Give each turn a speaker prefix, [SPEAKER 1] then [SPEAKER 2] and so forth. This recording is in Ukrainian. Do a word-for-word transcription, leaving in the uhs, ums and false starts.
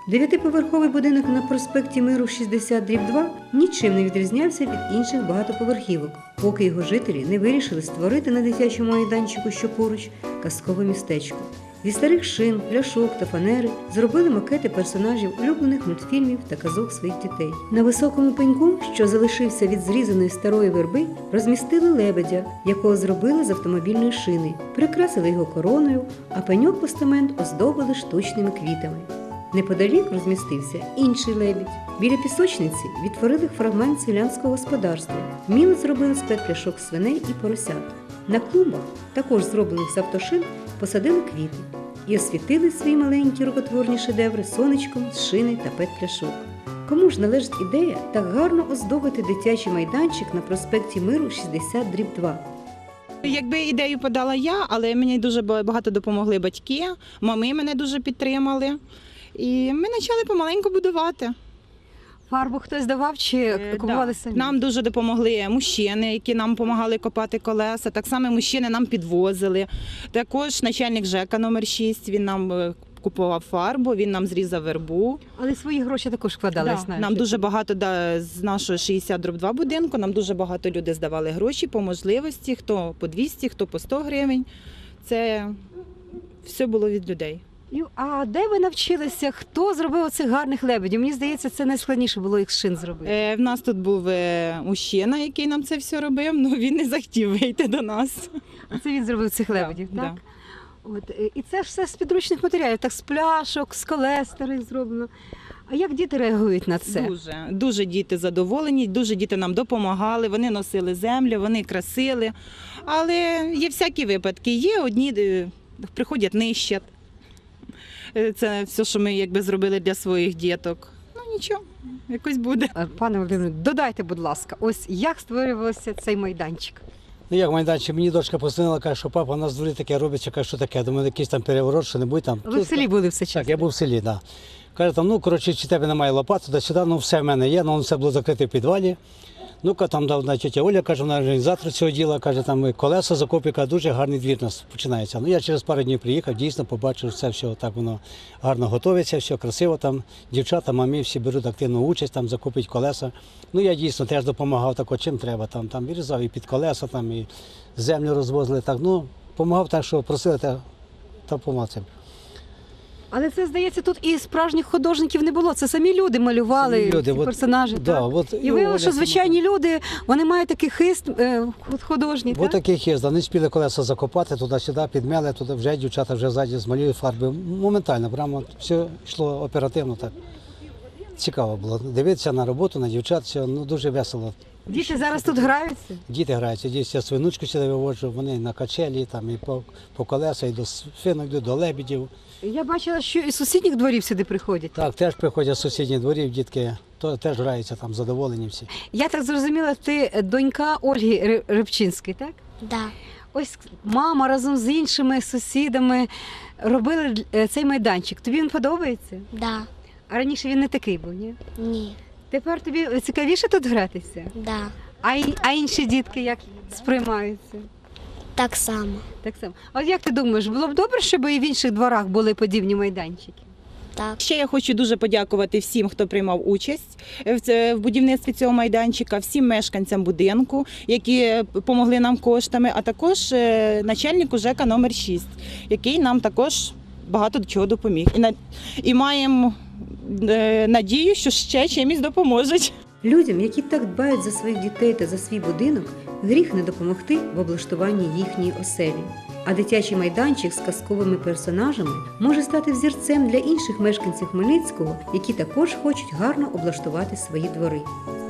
[SPEAKER 1] Дев'ятиповерховий будинок на проспекті Миру шістдесят дріб два нічим не відрізнявся від інших багатоповерхівок, поки його жителі не вирішили створити на дитячому майданчику, що поруч, казкове містечко. Зі старих шин, пляшок та фанери зробили макети персонажів улюблених мультфільмів та казок своїх дітей. На високому пеньку, що залишився від зрізаної старої верби, розмістили лебедя, якого зробили з автомобільної шини, прикрасили його короною, а пеньок-постамент оздобили штучними квітами. Неподалік розмістився інший лебідь. Біля пісочниці відтворили фрагмент селянського господарства. Вміло зробили з пет-пляшок свиней і поросят. На клумбах, також зроблених з автошин, посадили квіти і освітили свої маленькі рукотворні шедеври сонечком з шини та пет-пляшок. Кому ж належить ідея так гарно оздобити дитячий майданчик на проспекті Миру шістдесят дріб два?
[SPEAKER 2] Якби ідею подала я, але мені дуже багато допомогли батьки, мами мене дуже підтримали. І ми почали помаленьку будувати.
[SPEAKER 3] Фарбу хтось давав чи купували самі?
[SPEAKER 2] Нам дуже допомогли мужчини, які нам допомагали копати колеса. Так само мужчини нам підвозили. Також начальник ЖЕКа номер шість, він нам купував фарбу, він нам зрізав вербу.
[SPEAKER 3] Але свої гроші також вкладали,
[SPEAKER 2] Да.
[SPEAKER 3] знаю.
[SPEAKER 2] Нам дуже багато да, з нашого шістдесят дріб два будинку, нам дуже багато людей здавали гроші по можливості, хто по двісті, хто по сто гривень. Це все було від людей.
[SPEAKER 3] А де ви навчилися? Хто зробив оцих гарних лебедів? Мені здається, це найскладніше було їх з шин зробити.
[SPEAKER 2] Е, в нас тут був е, мужчина, який нам це все робив, але він не захотів вийти до нас.
[SPEAKER 3] А це він зробив цих лебедів,
[SPEAKER 2] Да,
[SPEAKER 3] так?
[SPEAKER 2] да.
[SPEAKER 3] От, е, і це ж все з підручних матеріалів, так з пляшок, з колес старих зроблено. А як діти реагують на це?
[SPEAKER 2] Дуже, дуже діти задоволені, дуже діти нам допомагали, вони носили землю, вони красили. Але є всякі випадки. Є одні, е, приходять нищать. Е, Це все, що ми якби зробили для своїх діток. Ну нічого, якось буде.
[SPEAKER 3] Е, Пане Володимире, додайте, будь ласка, ось як створювався цей майданчик?
[SPEAKER 4] Ну як майданчик, мені дочка позвонила, каже, що папа, у нас в дворі таке робиться, каже, що таке, думаю, якийсь там переворот, що небудь там.
[SPEAKER 3] Ви в селі були все час?
[SPEAKER 4] Так, я був в селі, так. Да. Каже, там, ну, коротше, чи тебе немає лопати, туди сюди, ну, все в мене є, ну, все було закрите в підвалі. Ну-ка, там дав тетя Оля, каже, вона організатор цього діла, каже, там колеса закопіка, дуже гарний двір у нас починається. Ну, я через пару днів приїхав, дійсно побачив, що це все так воно гарно готується, все красиво там. Дівчата, мамі всі беруть активну участь, там закупить колеса. Ну, я дійсно теж допомагав так, чим треба, там, там вирізав і під колеса, там, і землю розвозили, так, ну, допомагав так, що просили, та, та помацав.
[SPEAKER 3] Але це, здається, тут і справжніх художників не було. Це самі люди малювали
[SPEAKER 4] Самі люди,
[SPEAKER 3] ці
[SPEAKER 4] от,
[SPEAKER 3] персонажі.
[SPEAKER 4] да,
[SPEAKER 3] так?
[SPEAKER 4] от,
[SPEAKER 3] І виявилося, що
[SPEAKER 4] Оля
[SPEAKER 3] звичайні люди, вони мають такий хист е, художній.
[SPEAKER 4] Ось
[SPEAKER 3] так?
[SPEAKER 4] таких є, не спіли колеса закопати, туди-сюди, підмели, туди вже дівчата вже ззаді змалюють фарби. Моментально, прямо все йшло оперативно так. Цікаво було дивитися на роботу, на дівчат, все, ну, дуже весело.
[SPEAKER 3] Діти зараз тут граються?
[SPEAKER 4] Діти граються, діти, я свинучку сюди виводжу, вони на качелі, там, і по, по колеса, і до свинок, йдуть, до лебедів.
[SPEAKER 3] Я бачила, що і з сусідніх дворів сюди приходять.
[SPEAKER 4] Так, теж приходять з сусідніх дворів, дітки, то теж граються там, задоволені всі.
[SPEAKER 3] Я так зрозуміла, ти донька Ольги Ри- Рибчинської, так?
[SPEAKER 5] Да.
[SPEAKER 3] Ось мама разом з іншими сусідами робили е, цей майданчик. Тобі він подобається?
[SPEAKER 5] Да.
[SPEAKER 3] А раніше він не такий був, ні?
[SPEAKER 5] Ні.
[SPEAKER 3] Тепер тобі цікавіше тут гратися?
[SPEAKER 5] Да.
[SPEAKER 3] А, й- а інші дітки як сприймаються?
[SPEAKER 5] Так само.
[SPEAKER 3] Так само. А от як ти думаєш, було б добре, щоб і в інших дворах були подібні майданчики?
[SPEAKER 5] Так.
[SPEAKER 2] Ще я хочу дуже подякувати всім, хто приймав участь в це- в будівництві цього майданчика, всім мешканцям будинку, які допомогли нам коштами, а також е, начальнику ЖЕКа номер шість, який нам також багато чого допоміг. І, на- і маємо е, надію, що ще чимось допоможуть.
[SPEAKER 1] Людям, які так дбають за своїх дітей та за свій будинок, гріх не допомогти в облаштуванні їхньої оселі. А дитячий майданчик з казковими персонажами може стати взірцем для інших мешканців Хмельницького, які також хочуть гарно облаштувати свої двори.